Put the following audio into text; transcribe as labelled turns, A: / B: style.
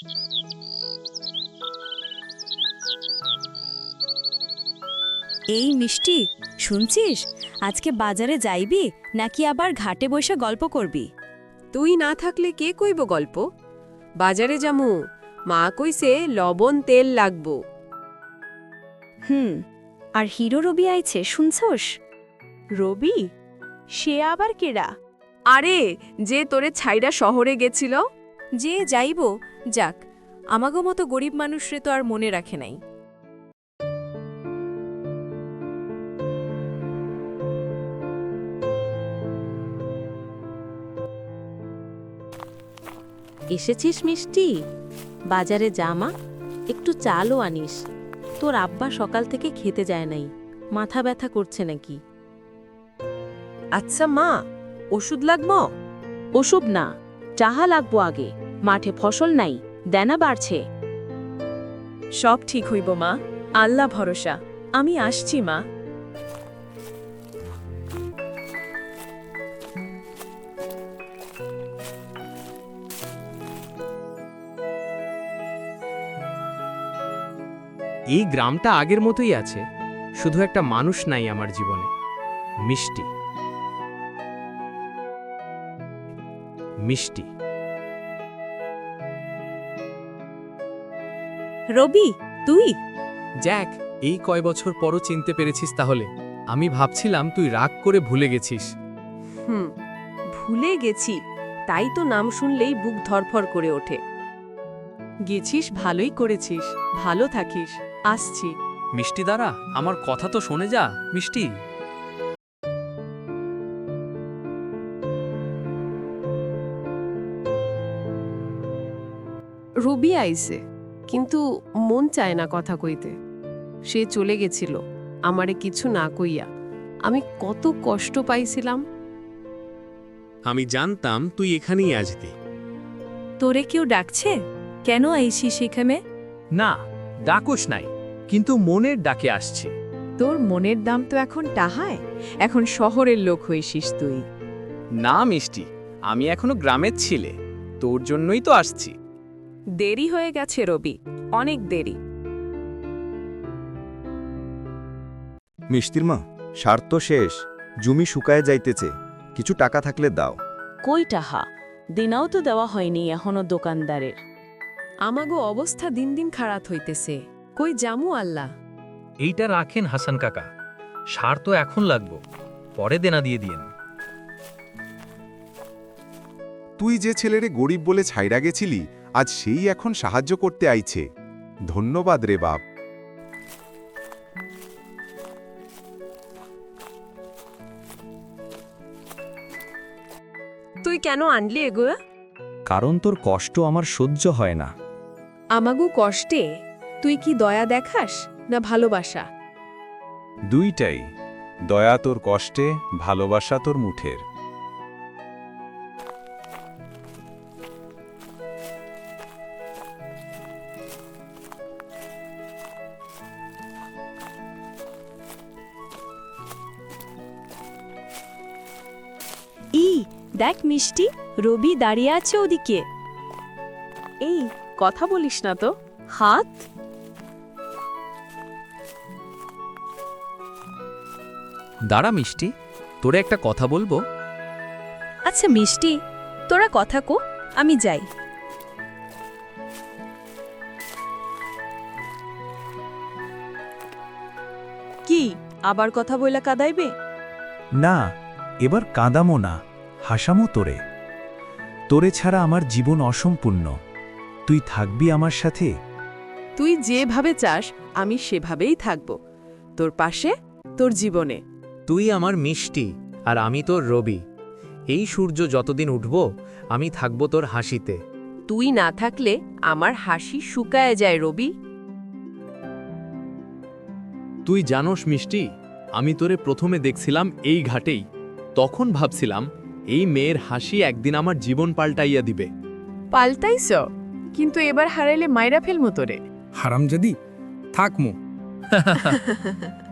A: এই মিষ্টি, শুনছিস? আজকে বাজারে যাইবি নাকি আবার ঘাটে বসে গল্প করবি?
B: তুই না থাকলে কে কইব গল্প? বাজারে যামু, মা কইছে লবণ তেল লাগবো।
A: আর হিরো রবি আইছে, শুনছস?
B: রবি? সে আবার কেডা? আরে, যে তোরে ছাইড়া শহরে গেছিল।
A: যে যাইব যাক, আমাগো মতো গরিব মানুষরে তো আর মনে রাখে নাই।
C: এসেছিস মিষ্টি? বাজারে জামা, একটু চালও আনিস। তোর আব্বা সকাল থেকে খেতে যায় নাই, মাথা ব্যথা করছে নাকি?
B: আচ্ছা মা, ওষুধ লাগবো?
C: ওসব না, চাহা লাগবো আগে। মাঠে ফসল নাই, দেনা বাড়ছে।
B: সব ঠিক হইব মা, আল্লাহ ভরসা। আমি আসছি মা।
D: এই গ্রামটা আগের মতোই আছে, শুধু একটা মানুষ নাই আমার জীবনে। মিষ্টি। মিষ্টি।
A: রবি, তুই?
D: জ্যাক, এই কয় বছর পরও চিনতে পেরেছিস তাহলে? আমি ভাবছিলাম তুই রাগ করে ভুলে গেছিস।
B: ভুলে গেছি, তাই তো নাম শুনলেই বুক ধরফর করে ওঠে। গেছিস, ভালোই করেছিস। ভালো থাকিস, আসছি।
D: মিষ্টি দ্বারা আমার কথা তো শোনে যা। মিষ্টি।
B: রবি আইছে, কিন্তু মন চায় না কথা কইতে। সে চলে গেছিল আমারে কিছু না কইয়া। আমি কত কষ্ট পাইছিলাম।
D: আমি জানতাম তুই এখানেই আসবি।
A: তোরে কেউ ডাকছে? কেন আইসিস এখানে?
D: না, ডাকুস নাই, কিন্তু মনের ডাকে আসছি।
B: তোর মনের দাম তো এখন টাহায়। এখন শহরের লোক হইছিস তুই।
D: না মিষ্টি, আমি এখনো গ্রামের ছিলে, তোর জন্যই তো আসছি।
B: দেরি হয়ে গেছে রবি, অনেক দেরি।
E: মিষ্টির মা, সার তো শেষ, জমি শুকায় যাইতেছে, কিছু টাকা থাকলে দাও।
C: কই টাহা? দিনাও তো দেওয়া হয়নি এখনো দোকানদারের।
B: আমাগো অবস্থা দিন দিন খারাপ হইতেছে, কই জামু আল্লাহ।
F: এইটা রাখেন হাসান কাকা, সার তো এখন লাগবো, পরে দেনা দিয়ে দিয়েন।
G: তুই যে ছেলেরে গরিব বলে ছাইড়া গেছিলি, আজ সেই এখন সাহায্য করতে আইছে। ধন্যবাদ রে বাপ।
B: তুই কেন আনলি এগো?
H: কারণ তোর কষ্ট আমার সহ্য হয় না।
B: আমাগো কষ্টে তুই কি দয়া দেখাস না ভালোবাসা?
G: দুইটাই, দয়া তোর কষ্টে, ভালোবাসা তোর মুঠের।
A: দেখ মিষ্টি, রবি দাঁড়িয়ে আছে ওদিকে।
C: এই কথা বলিস না তো, হাত।
D: দাঁড়া মিষ্টি, তোরে একটা কথা বলবো।
A: আচ্ছা মিষ্টি, তোরা কথা কো, আমি যাই।
B: কি আবার কথা বইলা কাদাইবে?
H: না, এবার কাঁদামো না, হাসামো তোরে। তোরে ছাড়া আমার জীবন অসম্পূর্ণ। তুই থাকবি আমার সাথে।
B: তুই যেভাবে চাস আমি সেভাবেই থাকব, তোর পাশে, তোর জীবনে।
D: তুই আমার মিষ্টি আর আমি তোর রবি। এই সূর্য যতদিন উঠব, আমি থাকব তোর হাসিতে।
B: তুই না থাকলে আমার হাসি শুকায় যায় রবি।
D: তুই জানোস মিষ্টি, আমি তোরে প্রথমে দেখছিলাম এই ঘাটেই। তখন ভাবছিলাম এই মেয়ের হাসি একদিন আমার জীবন পাল্টাইয়া দিবে।
B: পাল্টাইছ, কিন্তু এবার হারাইলে মাইরা ফেলমু তোরে।
F: হারামজাদি, থাকমু।